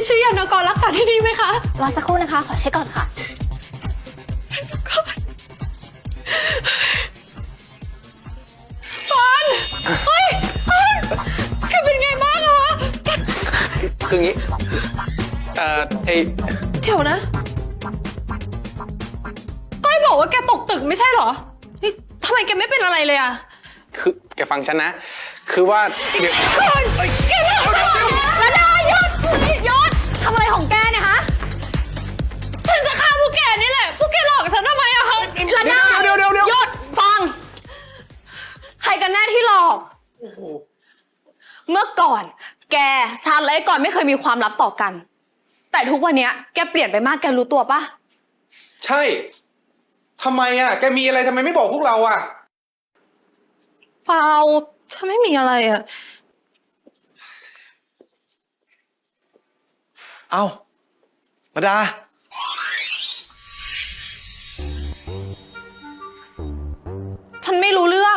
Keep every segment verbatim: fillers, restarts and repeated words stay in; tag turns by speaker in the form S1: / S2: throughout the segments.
S1: ชื่อยานกรรักษาที่นี่ไหมคะ
S2: รอสักครู่นะคะขอเช็คก่อนค่ะ
S1: ฟอนเฮ้ยฟอนแกเป็นไงบ้างอะแก
S3: คืองี้เอ่อไอ
S1: เดี๋ยวนะก้อยบอกว่าแกตกตึกไม่ใช่เหรอนี่ทำไมแกไม่เป็นอะไรเลยอะ
S3: คือแกฟังฉันนะคือว่าเดี๋ยว
S1: แกเลิกแล้วนะหยุดหยุดทำอะไรของแกเนี่ยฮะฉันจะฆ่าพวกแกนี่แหละพวกแกหลอกฉันทำไมอะคะละนา
S3: เดี๋ยวเดี๋ยวเดี๋ยว
S1: หยุดฟังใครกันแน่ที่หลอกเมื่อก่อนแกฉันและไอ้ก่อนไม่เคยมีความลับต่อกันแต่ทุกวันนี้แกเปลี่ยนไปมากแกรู้ตัวปะ
S3: ใช่ทำไมอ่ะแกมีอะไรทำไมไม่บอกพวกเราอ่ะ
S1: เปล่าฉันไม่มีอะไรอ่ะ
S4: เอ้าระดา
S1: ฉันไม่รู้เรื่อง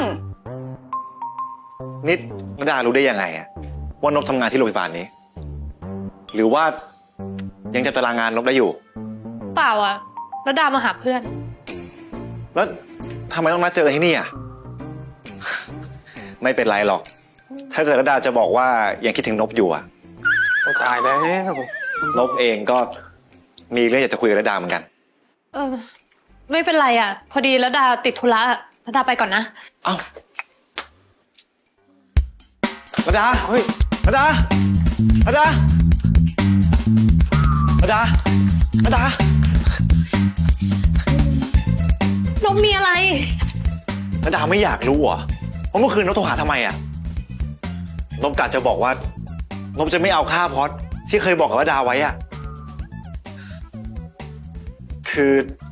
S4: นิดระดารู้ได้ยังไงอะว่านบทำงานที่โรงพยาบาลนี้หรือว่ายังจำตารางงานนบได้อยู่
S1: เปล่าอ่ะระดามาหาเพื่อน
S4: แล้วทำไมต้องนัดเจอกันที่นี่อ่ะ ไม่เป็นไรหรอกถ้าเกิดระดาจะบอกว่ายังคิดถึงนบอยู่อ่ะ
S3: ตายแล้ว
S4: นบเองก็มีเรื่องอยากจะคุยกับระดาเหมือนกัน
S1: เออไม่เป็นไรอ่ะพอดีระดาติดธุระระดาไปก่อนนะ
S4: เอ้าระดาเฮ้ยระดาระดาระดาระดาน
S1: บมีอะไร
S4: ระดาไม่อยากรู้เหรอว่าเมื่อคืนนบโทรหาทำไมอ่ะนบกะจะบอกว่านบจะไม่เอาค่าพอดที่เคยบอกกับระดาไว้อ่ะคื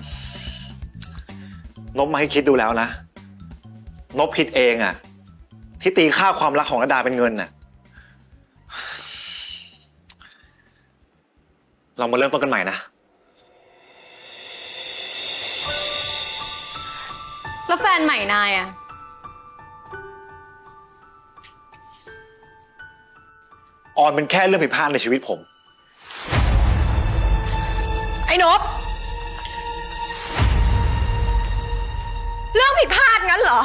S4: อนบมาให้คิดดูแล้วนะนบผิดเองอ่ะที่ตีค่าความรักของระดาเป็นเงินน่ะเรามาเริ่มต้นกันใหม่นะ
S1: แล้วแฟนใหม่นายอ่ะ
S4: ออนเป็นแค่เรื่องผิดพลาดในชีวิตผม
S1: ไอ้นบเรื่องผิดพลาดงั้นเหรอ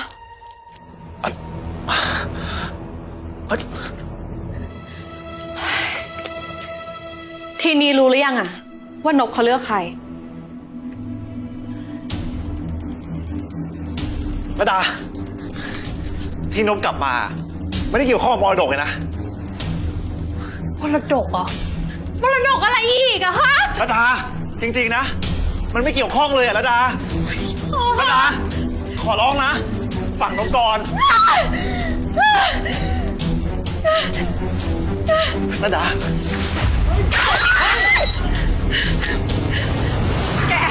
S1: ทีนี้รู้หรือยังอะว่านบเขาเลือกใคร
S4: ระดาที่นบกลับมาไม่ได้เกี่ยวข้องกับมรดกเลยนะ
S1: มรดกเหรอมรดกอะไรอีกอะฮะ
S4: ระดาจริงๆนะมันไม่เกี่ยวข้องเลยอะระดาระดาขอร้องนะฝั่งนบก่อนระดา
S1: แก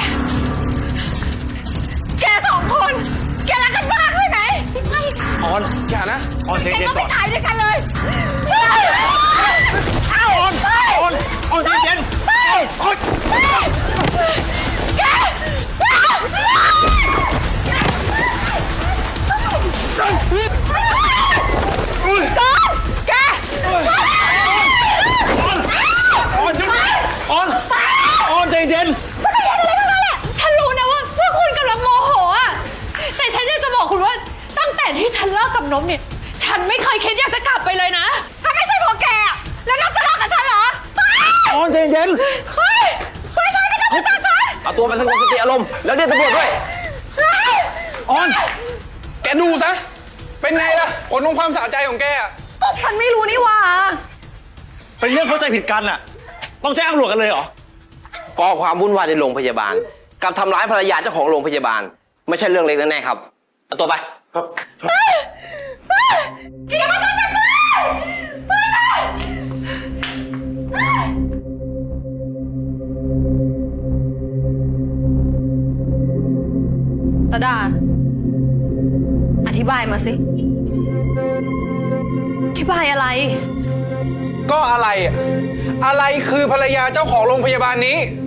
S1: แกสองคนแกรักกันมากเลยไหม
S4: ออนอย่านะออนเย็นๆก่อน
S1: แกก็ไปตายด้วยกันเลย
S4: ออนออนออนเย็นๆออน
S1: แกจอนแก
S4: ออนออนออนออนใจเย็น
S1: ฉันรู้นะว่าพวกคุณกำลังโมโหอ่ะแต่ฉันอยากจะบอกคุณว่าตั้งแต่ที่ฉันเลิกกับนบเนี่ยฉันไม่เคยคิดอยากจะกลับไปเลยนะถ้าไม่ใช่พวกแกแล้วนบจะเลิกกับฉันเหรอ
S4: ออนใจเย็น
S1: เฮ้ยเฮ้ยไม่ต้องมาจับฉัน
S3: เอาตัวมันสงบสติอารมณ์แล้วเรียกตำรวจด้วย
S4: ออน
S3: แกดูซะเป็นไงล่ะผลของความสะใจของแกอ่ะ
S1: ก็ฉันไม่รู้นี่หว่า
S4: เป็นเรื่องเข้าใจผิดกันน่ะต้องแจ้งตำรวจกันเลยเหรอ
S5: ก่อความวุ่นวายในโรงพยาบาลกับทำร้ายภรรยาเจ้าของโรงพยาบาลไม่ใช่เรื่องเล็กแน่ๆครับเอาตัวไป
S4: ครับ
S1: อย่ามาจับฉันตาดาอธิบายมาสิอธิบายอะไร
S3: ก็อะไรอะไรคือภรรยาเจ้าของโรงพยาบาลนี้